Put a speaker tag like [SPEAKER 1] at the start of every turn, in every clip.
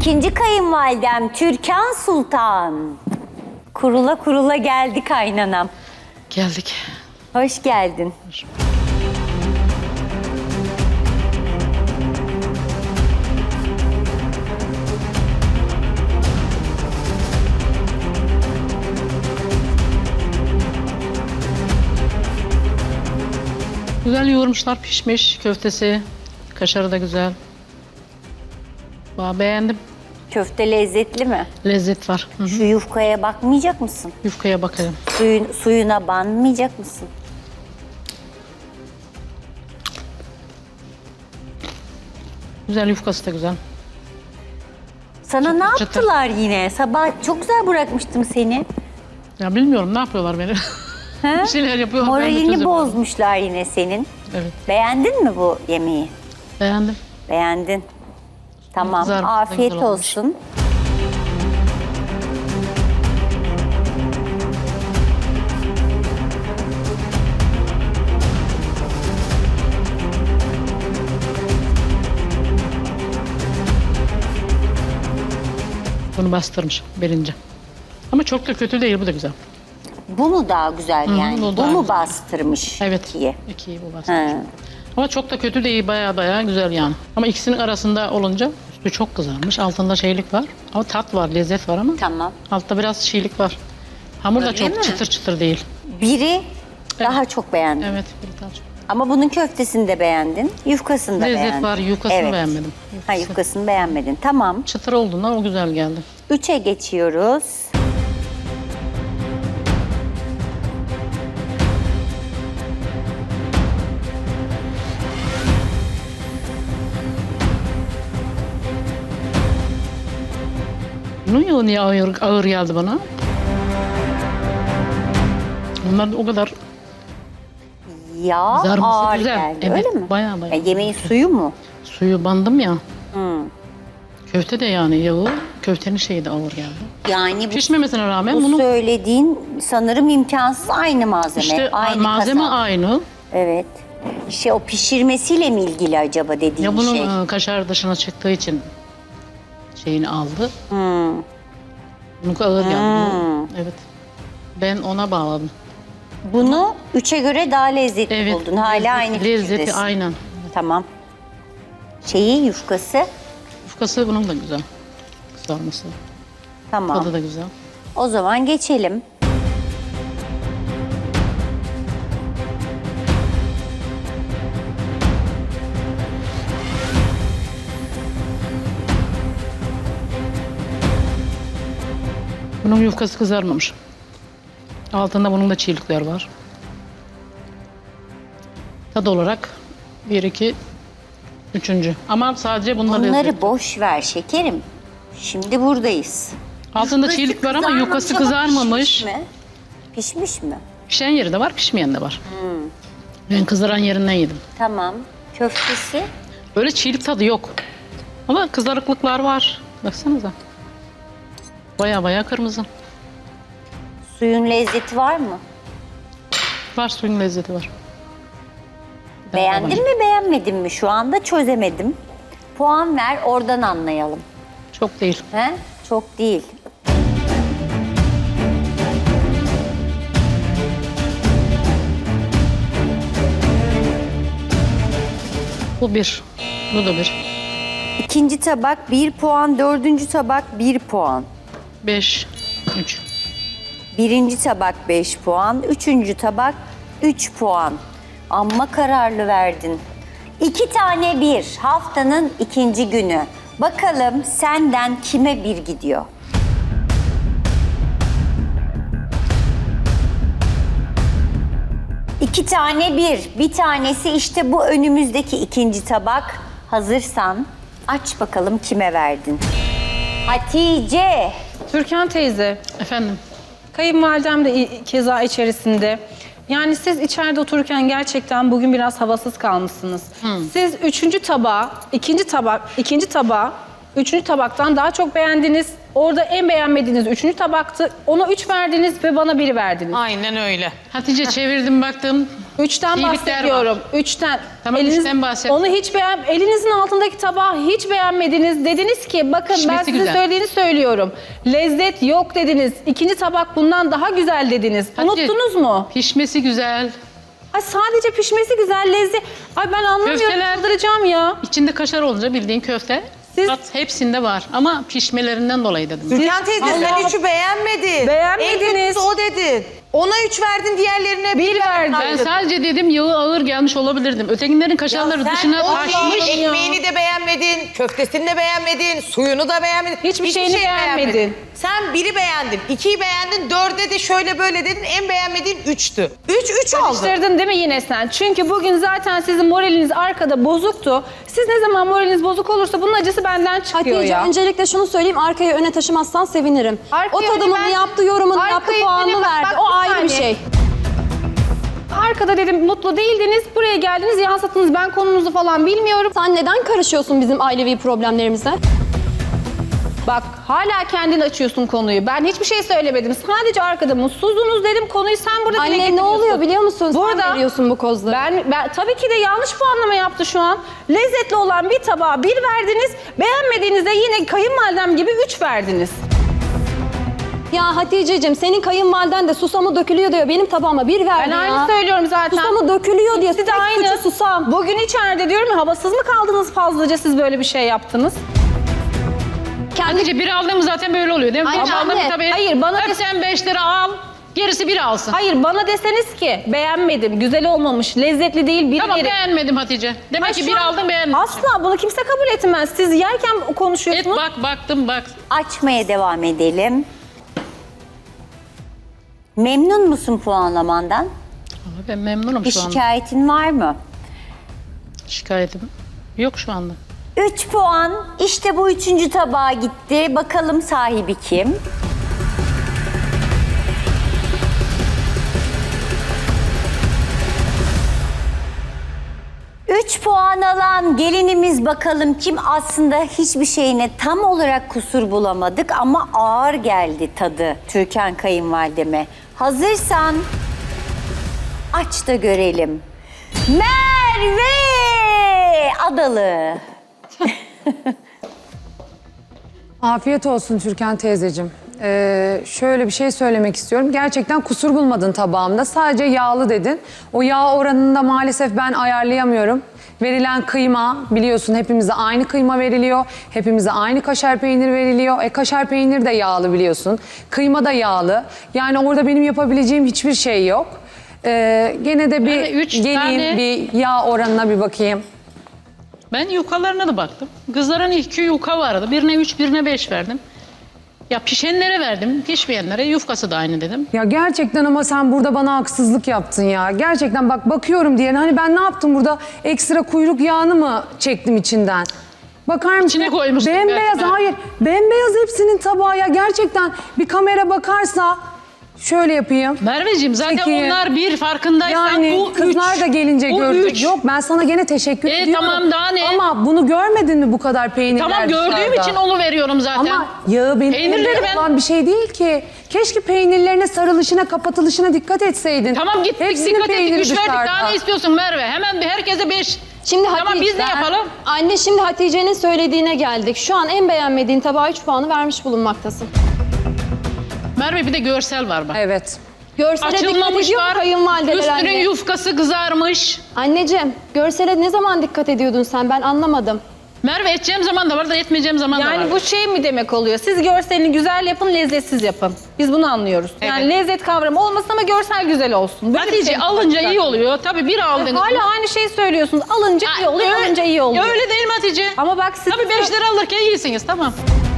[SPEAKER 1] İkinci kayınvalidem Türkan Sultan. Kurula kurula geldi kaynanam.
[SPEAKER 2] Geldik.
[SPEAKER 1] Hoş geldin.
[SPEAKER 2] Güzel yoğurmuşlar, pişmiş köftesi. Kaşarı da güzel. Beğendim.
[SPEAKER 1] Köfte lezzetli mi?
[SPEAKER 2] Lezzet var. Hı hı.
[SPEAKER 1] Şu yufkaya bakmayacak mısın?
[SPEAKER 2] Yufkaya bakalım.
[SPEAKER 1] Suyuna banmayacak mısın?
[SPEAKER 2] Güzel, yufkası da güzel.
[SPEAKER 1] Sana ne
[SPEAKER 2] çıtır.
[SPEAKER 1] yaptılar yine? Sabah çok güzel bırakmıştım seni.
[SPEAKER 2] Ya bilmiyorum ne yapıyorlar beni.
[SPEAKER 1] Ha?
[SPEAKER 2] Bir şeyler yapıyorlar. ben de
[SPEAKER 1] Moralini
[SPEAKER 2] çözemiyorum.
[SPEAKER 1] bozmuşlar yine senin.
[SPEAKER 2] Evet.
[SPEAKER 1] Beğendin mi bu yemeği?
[SPEAKER 2] Beğendim.
[SPEAKER 1] Beğendin. Tamam.
[SPEAKER 2] Kızarmış da
[SPEAKER 1] Afiyet
[SPEAKER 2] güzel olmuş.
[SPEAKER 1] olsun.
[SPEAKER 2] Bunu bastırmış birinci. Ama çok da kötü değil, bu da güzel.
[SPEAKER 1] Bu mu daha güzel yani?
[SPEAKER 2] bu
[SPEAKER 1] Bu
[SPEAKER 2] daha
[SPEAKER 1] mu
[SPEAKER 2] güzel.
[SPEAKER 1] bastırmış?
[SPEAKER 2] Evet.
[SPEAKER 1] ikiye?
[SPEAKER 2] İkiyi bu bastırmış.
[SPEAKER 1] Ha.
[SPEAKER 2] Ama çok da kötü değil, baya güzel yani. Ama ikisinin arasında olunca üstü çok kızarmış. Altında şeylik var. Ama tat var, lezzet var ama.
[SPEAKER 1] Tamam.
[SPEAKER 2] Altta biraz çiğlik var. Hamur da
[SPEAKER 1] Öyle
[SPEAKER 2] çok
[SPEAKER 1] mi?
[SPEAKER 2] çıtır çıtır değil.
[SPEAKER 1] Biri daha çok beğendim.
[SPEAKER 2] Evet, bir daha çok.
[SPEAKER 1] Ama bunun köftesini de beğendin. Yufkasını da
[SPEAKER 2] Lezzet
[SPEAKER 1] beğendin.
[SPEAKER 2] var, yufkasını beğenmedim.
[SPEAKER 1] Ha, yufkasını beğenmedin. Tamam.
[SPEAKER 2] Çıtır olduğundan o güzel geldi.
[SPEAKER 1] 3'e geçiyoruz.
[SPEAKER 2] Bunun yağı niye ağır geldi bana? Onlar da o kadar
[SPEAKER 1] Yağ
[SPEAKER 2] kızarması
[SPEAKER 1] ağır
[SPEAKER 2] güzel.
[SPEAKER 1] geldi
[SPEAKER 2] Evet,
[SPEAKER 1] öyle mi?
[SPEAKER 2] baya.
[SPEAKER 1] Ya yemeğin suyu mu?
[SPEAKER 2] Suyu bandım ya. Köfte de yani yağı, köftenin şeyi de ağır geldi.
[SPEAKER 1] Yani bu,
[SPEAKER 2] Pişmemesine rağmen
[SPEAKER 1] bu
[SPEAKER 2] bunu
[SPEAKER 1] söylediğin sanırım imkansız, aynı malzeme.
[SPEAKER 2] işte
[SPEAKER 1] aynı
[SPEAKER 2] malzeme
[SPEAKER 1] kasap.
[SPEAKER 2] aynı.
[SPEAKER 1] Evet. İşte o pişirmesiyle mi ilgili acaba dediğin
[SPEAKER 2] Ya bunun
[SPEAKER 1] şey?
[SPEAKER 2] kaşar dışına çıktığı için şeyini aldı. Bunun ağır geldi. Evet. Ben ona bağladım.
[SPEAKER 1] Bunu 3'e göre daha lezzetli
[SPEAKER 2] Evet.
[SPEAKER 1] buldun. Hala aynı
[SPEAKER 2] Lezzeti
[SPEAKER 1] fikirdesin.
[SPEAKER 2] aynen.
[SPEAKER 1] Tamam. Şeyi, yufkası.
[SPEAKER 2] Yufkası bunun da güzel. Kızarması.
[SPEAKER 1] Tamam.
[SPEAKER 2] Tadı da güzel.
[SPEAKER 1] O zaman geçelim.
[SPEAKER 2] Bunun yufkası kızarmamış. Altında bunun da çiğlikler var. Tad olarak 1, 2, 3. Ama sadece bunlar
[SPEAKER 1] Bunları
[SPEAKER 2] lezzetli.
[SPEAKER 1] boş ver şekerim. Şimdi buradayız.
[SPEAKER 2] Altında
[SPEAKER 1] Yufkası
[SPEAKER 2] çiğlik var ama yufkası
[SPEAKER 1] kızarmamış ama
[SPEAKER 2] kızarmamış.
[SPEAKER 1] Pişmiş mi? Pişmiş mi?
[SPEAKER 2] Pişen yeri de var, pişmeyen de var. Ben kızaran yerinden yedim.
[SPEAKER 1] Tamam. Köftesi.
[SPEAKER 2] Öyle çiğlik tadı yok. Ama kızarıklıklar var. Baksanıza. Baya kırmızı.
[SPEAKER 1] Suyun lezzeti var mı?
[SPEAKER 2] Var, suyun lezzeti var.
[SPEAKER 1] Beğendin mi beğenmedin mi? Şu anda çözemedim. Puan ver, oradan anlayalım.
[SPEAKER 2] Çok değil.
[SPEAKER 1] He? Çok değil.
[SPEAKER 2] Bu 1. Bu da 1.
[SPEAKER 1] İkinci tabak 1 puan, dördüncü tabak 1 puan.
[SPEAKER 2] 5, 3.
[SPEAKER 1] Birinci tabak 5 puan, üçüncü tabak 3 puan. Amma kararlı verdin. 2 tane 1, haftanın ikinci günü. Bakalım senden kime 1 gidiyor? İki tane 1, bir tanesi işte bu önümüzdeki ikinci tabak. Hazırsan aç bakalım kime verdin? Hatice.
[SPEAKER 3] Türkan teyze,
[SPEAKER 2] Efendim?
[SPEAKER 3] kayınvalidem de keza içerisinde. Yani siz içeride otururken gerçekten bugün biraz havasız kalmışsınız. Siz ikinci tabağa Üçüncü tabaktan daha çok beğendiniz. Orada en beğenmediğiniz üçüncü tabaktı. Ona 3 verdiniz ve bana 1 verdiniz.
[SPEAKER 4] Aynen öyle.
[SPEAKER 2] Hatice çevirdim baktım.
[SPEAKER 3] 3'ten
[SPEAKER 2] İyilikler
[SPEAKER 3] bahsediyorum. 3'ten.
[SPEAKER 2] Tamam, üçten bahset.
[SPEAKER 3] Onu hiç elinizin altındaki tabağı hiç beğenmediniz. Dediniz ki bakın ben
[SPEAKER 2] Pişmesi
[SPEAKER 3] size
[SPEAKER 2] güzel.
[SPEAKER 3] söylediğini söylüyorum. Lezzet yok dediniz. İkinci tabak bundan daha güzel dediniz.
[SPEAKER 2] Hatice,
[SPEAKER 3] Unuttunuz mu?
[SPEAKER 2] Pişmesi güzel.
[SPEAKER 3] Ay sadece pişmesi güzel, lezzet. Ay ben anlamıyorum,
[SPEAKER 2] Köfteler-
[SPEAKER 3] çıldıracağım ya.
[SPEAKER 2] İçinde kaşar olunca bildiğin köfte.
[SPEAKER 3] Siz-
[SPEAKER 2] Tat hepsinde var ama pişmelerinden dolayı dedim.
[SPEAKER 4] Türkan teyze sen
[SPEAKER 3] Allah-
[SPEAKER 4] 3'ü beğenmedin.
[SPEAKER 3] Beğenmediniz.
[SPEAKER 4] En kötüsü o dedin. Ona 3 verdin, diğerlerine
[SPEAKER 3] 1 verdim.
[SPEAKER 2] Ben sadece dedim yağı ağır gelmiş olabilirdim. Ötekilerin kaşarları dışına taşmış.
[SPEAKER 4] Taşmış. Ekmeğini de beğenmedin, köftesini de beğenmedin, suyunu da beğenmedin.
[SPEAKER 3] Hiçbir şeyini beğenmedin.
[SPEAKER 4] Sen 1'i beğendin, 2'yi beğendin, 4'e de şöyle böyle dedin. En beğenmediğin 3'tü. 3 aldın.
[SPEAKER 3] Karıştırdın değil mi yine sen? Çünkü bugün zaten sizin moraliniz arkada bozuktu. Siz ne zaman moraliniz bozuk olursa bunun acısı benden çıkıyor
[SPEAKER 5] Hatice
[SPEAKER 3] ya.
[SPEAKER 5] öncelikle şunu söyleyeyim, arkayı öne taşımazsan sevinirim.
[SPEAKER 3] Arkayı
[SPEAKER 5] O tadımını
[SPEAKER 3] öne ben-
[SPEAKER 5] yaptı, yorumunu yaptı,
[SPEAKER 3] Arkayı
[SPEAKER 5] puanını
[SPEAKER 3] öne bak,
[SPEAKER 5] verdi.
[SPEAKER 3] bak
[SPEAKER 5] O
[SPEAKER 3] bir
[SPEAKER 5] ayrı bir
[SPEAKER 3] saniye.
[SPEAKER 5] şey.
[SPEAKER 3] Arkada dedim mutlu değildiniz, buraya geldiniz, yansıttınız. Ben konumuzu falan bilmiyorum.
[SPEAKER 5] Sen neden karışıyorsun bizim ailevi problemlerimize?
[SPEAKER 3] Bak hala kendin açıyorsun konuyu. Ben hiçbir şey söylemedim. Sadece arkada mutsuzdunuz dedim. Konuyu sen burada dile
[SPEAKER 5] Anne ne
[SPEAKER 3] getiriyorsun.
[SPEAKER 5] oluyor biliyor musun?
[SPEAKER 3] Burada-
[SPEAKER 5] Sen veriyorsun bu kozları.
[SPEAKER 3] Ben tabii ki de yanlış puanlama yaptı şu an. Lezzetli olan bir tabağa 1 verdiniz. Beğenmediğinizde yine kayınvalidem gibi 3 verdiniz.
[SPEAKER 5] Ya Hatice'cim senin kayınvaliden de susamı dökülüyor diyor. Benim tabağıma 1 verdi
[SPEAKER 3] Ben
[SPEAKER 5] ya.
[SPEAKER 3] aynı söylüyorum zaten.
[SPEAKER 5] Susamı dökülüyor diye.
[SPEAKER 3] İkisi de
[SPEAKER 5] tek
[SPEAKER 3] aynı.
[SPEAKER 5] suçu susam.
[SPEAKER 3] Bugün içeride diyorum ya, havasız mı kaldınız fazlaca, siz böyle bir şey yaptınız?
[SPEAKER 2] Hatice bir aldığım zaten böyle oluyor değil mi?
[SPEAKER 5] Aynen,
[SPEAKER 2] Bir aldım
[SPEAKER 5] anne.
[SPEAKER 2] tabii.
[SPEAKER 3] Hayır, bana
[SPEAKER 2] Hep
[SPEAKER 3] de-
[SPEAKER 2] sen 5 lira al. Gerisi bir alsın.
[SPEAKER 3] Hayır, bana deseniz ki beğenmedim, güzel olmamış, lezzetli değil, bir
[SPEAKER 2] Tamam
[SPEAKER 3] yeri.
[SPEAKER 2] beğenmedim Hatice. Demek
[SPEAKER 3] Ha,
[SPEAKER 2] ki
[SPEAKER 3] şu
[SPEAKER 2] bir
[SPEAKER 3] an
[SPEAKER 2] aldım beğenmedim.
[SPEAKER 3] Asla bunu kimse kabul etmez. Siz yerken
[SPEAKER 2] Et
[SPEAKER 3] konuşuyorsunuz.
[SPEAKER 2] baktım bak.
[SPEAKER 1] Açmaya devam edelim. Memnun musun puanlamandan?
[SPEAKER 2] Ama ben memnunum
[SPEAKER 1] Bir
[SPEAKER 2] şu anda.
[SPEAKER 1] şikayetin var mı?
[SPEAKER 2] Şikayetim yok şu anda.
[SPEAKER 1] 3 puan. İşte bu 3. tabağa gitti. Bakalım sahibi kim? Üç puan alan gelinimiz bakalım kim? Aslında hiçbir şeyine tam olarak kusur bulamadık ama ağır geldi tadı Türkan kayınvalideme. Hazırsan aç da görelim. Merve Adalı.
[SPEAKER 6] Afiyet olsun Türkan teyzeciğim. Şöyle bir şey söylemek istiyorum. Gerçekten kusur bulmadın tabağımda. Sadece yağlı dedin. O yağ oranını da maalesef ben ayarlayamıyorum. Verilen kıyma biliyorsun hepimize aynı kıyma veriliyor. Hepimize aynı kaşar peynir veriliyor. Kaşar peynir de yağlı biliyorsun. Kıyma da yağlı. Yani orada benim yapabileceğim hiçbir şey yok. Gene de bir
[SPEAKER 2] Yani üç
[SPEAKER 6] geleyim
[SPEAKER 2] tane-
[SPEAKER 6] bir yağ oranına bir bakayım.
[SPEAKER 2] Ben yukalarına da baktım. Kızların 2 yuka vardı. Birine 3, birine 5 verdim. Ya pişenlere verdim, pişmeyenlere yufkası da aynı dedim.
[SPEAKER 6] Ya gerçekten ama sen burada bana haksızlık yaptın ya. Gerçekten bak bakıyorum diye hani ben ne yaptım burada? Ekstra kuyruk yağını mı çektim içinden? Bakar mısın?
[SPEAKER 2] İçine koymuştum
[SPEAKER 6] Bembeyaz
[SPEAKER 2] belki ben.
[SPEAKER 6] hayır. Bembeyaz hepsinin tabağı ya. Gerçekten bir kamera bakarsa şöyle yapayım.
[SPEAKER 2] Merveciğim zaten
[SPEAKER 6] Peki.
[SPEAKER 2] onlar bir farkındaysan
[SPEAKER 6] Yani
[SPEAKER 2] bu
[SPEAKER 6] kızlar
[SPEAKER 2] üç.
[SPEAKER 6] da gelince
[SPEAKER 2] Bu
[SPEAKER 6] görecek.
[SPEAKER 2] üç.
[SPEAKER 6] Yok ben sana gene teşekkür ediyorum.
[SPEAKER 2] Tamam, daha ne?
[SPEAKER 6] Ama bunu görmedin mi bu kadar peynirler
[SPEAKER 2] Tamam gördüğüm
[SPEAKER 6] dışarıda?
[SPEAKER 2] için onu veriyorum zaten.
[SPEAKER 6] Ama yağı benim
[SPEAKER 2] Peynirleri
[SPEAKER 6] elimde
[SPEAKER 2] ben-
[SPEAKER 6] olan bir şey değil ki. Keşke peynirlerine sarılışına, kapatılışına dikkat etseydin.
[SPEAKER 2] Tamam gittik
[SPEAKER 6] Hepsinin
[SPEAKER 2] dikkat ettik
[SPEAKER 6] peyniri
[SPEAKER 2] 3 verdik
[SPEAKER 6] dışarıda.
[SPEAKER 2] daha ne istiyorsun Merve? Hemen bir herkese 5.
[SPEAKER 5] Şimdi
[SPEAKER 2] Tamam biz ne yapalım?
[SPEAKER 5] Anne şimdi Hatice'nin söylediğine geldik. Şu an en beğenmediğin tabağa 3 puanı vermiş bulunmaktasın.
[SPEAKER 2] Merve bir de görsel var bak.
[SPEAKER 6] Evet.
[SPEAKER 5] Görsele dikkat
[SPEAKER 2] Açılmamış
[SPEAKER 5] ediyor mu
[SPEAKER 2] var.
[SPEAKER 5] kayınvalideler
[SPEAKER 2] Üstünün
[SPEAKER 5] anne?
[SPEAKER 2] yufkası kızarmış.
[SPEAKER 5] Anneciğim görsele ne zaman dikkat ediyordun sen? Ben anlamadım.
[SPEAKER 2] Merve edeceğim zaman da var da etmeyeceğim zaman da var.
[SPEAKER 3] Yani bu şey mi demek oluyor? Siz görselini güzel yapın, lezzetsiz yapın. Biz bunu anlıyoruz. Yani
[SPEAKER 2] Evet.
[SPEAKER 3] lezzet kavramı olmasın ama görsel güzel olsun. Böyle bir
[SPEAKER 2] Hatice
[SPEAKER 3] şey mi
[SPEAKER 2] alınca
[SPEAKER 3] olacak?
[SPEAKER 2] iyi oluyor. Tabii bir aldınız.
[SPEAKER 3] Hala aynı şeyi söylüyorsunuz. Alınca iyi oluyor,
[SPEAKER 2] Öyle-
[SPEAKER 3] alınca iyi oluyor.
[SPEAKER 2] Öyle değil mi Hatice?
[SPEAKER 3] Ama bak siz,
[SPEAKER 2] Tabii 5 lira alırken iyisiniz tamam.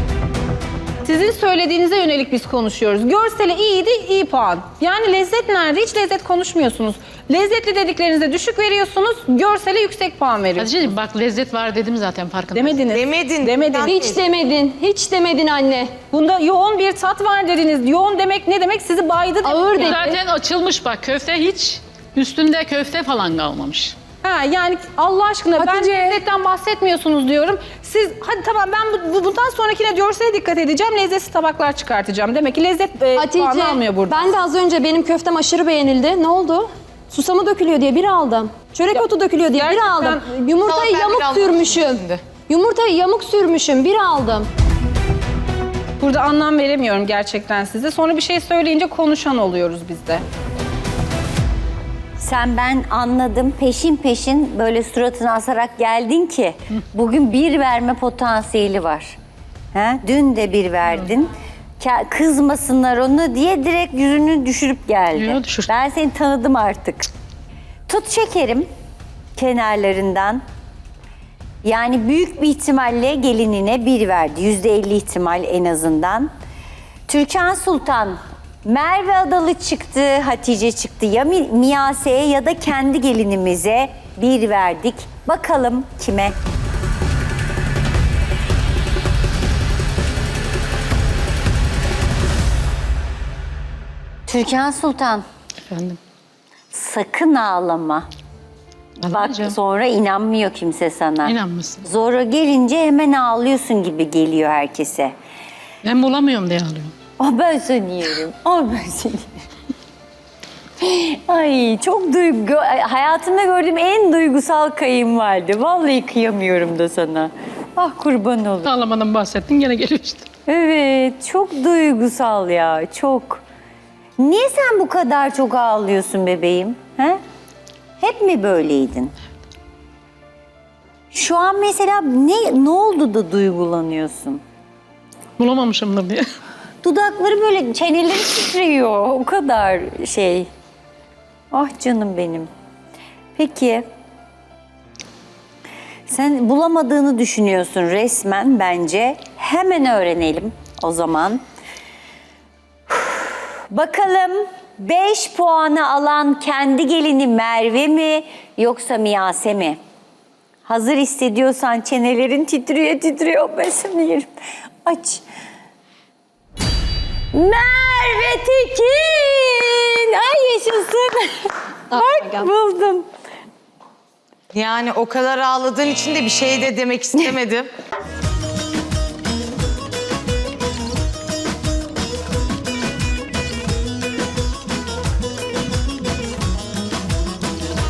[SPEAKER 3] sizin söylediğinize yönelik biz konuşuyoruz. Görseli iyiydi, iyi puan. Yani lezzet nerede? Hiç lezzet konuşmuyorsunuz. Lezzetli dediklerinize düşük veriyorsunuz, görsele yüksek puan veriyorsunuz.
[SPEAKER 2] Hatice'ciğim bak lezzet var dedim zaten farkında.
[SPEAKER 3] Demediniz.
[SPEAKER 4] Demedin.
[SPEAKER 3] Demedin.
[SPEAKER 5] Hiç demedin. Hiç demedin anne.
[SPEAKER 3] Bunda yoğun bir tat var dediniz. Yoğun demek ne demek? Sizi baydı demek.
[SPEAKER 5] Ağır dedi.
[SPEAKER 2] Zaten açılmış bak köfte hiç üstünde köfte falan kalmamış.
[SPEAKER 3] Ha, yani Allah aşkına
[SPEAKER 6] Hatice.
[SPEAKER 3] ben lezzetten bahsetmiyorsunuz diyorum. Siz hadi tamam ben bundan sonrakine görsele dikkat edeceğim. Lezzetsiz tabaklar çıkartacağım. Demek ki lezzet puanı almıyor burada.
[SPEAKER 5] ben de az önce benim köftem aşırı beğenildi. Ne oldu? Susamı dökülüyor diye bir aldım. Çörek otu dökülüyor diye bir
[SPEAKER 3] gerçekten
[SPEAKER 5] aldım. Yumurtayı
[SPEAKER 4] salata
[SPEAKER 5] yamuk
[SPEAKER 4] biraz
[SPEAKER 5] sürmüşüm.
[SPEAKER 4] şimdi.
[SPEAKER 5] Yumurtayı yamuk sürmüşüm, bir aldım.
[SPEAKER 3] Burada anlam veremiyorum gerçekten size. Sonra bir şey söyleyince konuşan oluyoruz biz de.
[SPEAKER 1] Sen ben anladım peşin peşin böyle suratını asarak geldin ki bugün bir verme potansiyeli var. He? Dün de bir verdin. Kızmasınlar onu diye direkt yüzünü düşürüp geldi.
[SPEAKER 2] Yo, düşür.
[SPEAKER 1] Ben seni tanıdım artık. Tut şekerim kenarlarından. Yani büyük bir ihtimalle gelinine bir verdi. %50 ihtimal en azından. Türkan Sultan, Merve Adalı çıktı, Hatice çıktı. Ya Miyase'ye ya da kendi gelinimize bir verdik. Bakalım kime? Türkan Sultan,
[SPEAKER 2] Efendim.
[SPEAKER 1] sakın ağlama. Bak
[SPEAKER 2] Ağlamayacağım.
[SPEAKER 1] sonra inanmıyor kimse sana.
[SPEAKER 2] İnanmasın.
[SPEAKER 1] Zora gelince hemen ağlıyorsun gibi geliyor herkese.
[SPEAKER 2] Ben bulamıyorum diye ağlıyorum.
[SPEAKER 1] Ben seni yerim. Ben seni yerim. Ay çok hayatımda gördüğüm en duygusal kayınvalide. Vallahi kıyamıyorum da sana. Ah kurban olayım.
[SPEAKER 2] Ağlamadan bahsettin gene geliyor işte.
[SPEAKER 1] Evet çok duygusal ya çok. Niye sen bu kadar çok ağlıyorsun bebeğim? He? Hep mi böyleydin? Şu an mesela ne oldu da duygulanıyorsun?
[SPEAKER 2] Bulamamışımdır diye.
[SPEAKER 1] Dudakları böyle çeneleri titriyor. O kadar şey. Ah canım benim. Peki. Sen bulamadığını düşünüyorsun resmen bence. Hemen öğrenelim o zaman. Bakalım 5 puanı alan kendi gelini Merve mi yoksa Miyase mi? Hazır hissediyorsan çenelerin titriyor. Ben seni yerim. Aç. Merve Tekin! Ay yaşasın. Bak buldum.
[SPEAKER 4] Yani o kadar ağladığın için de bir şey de demek istemedim.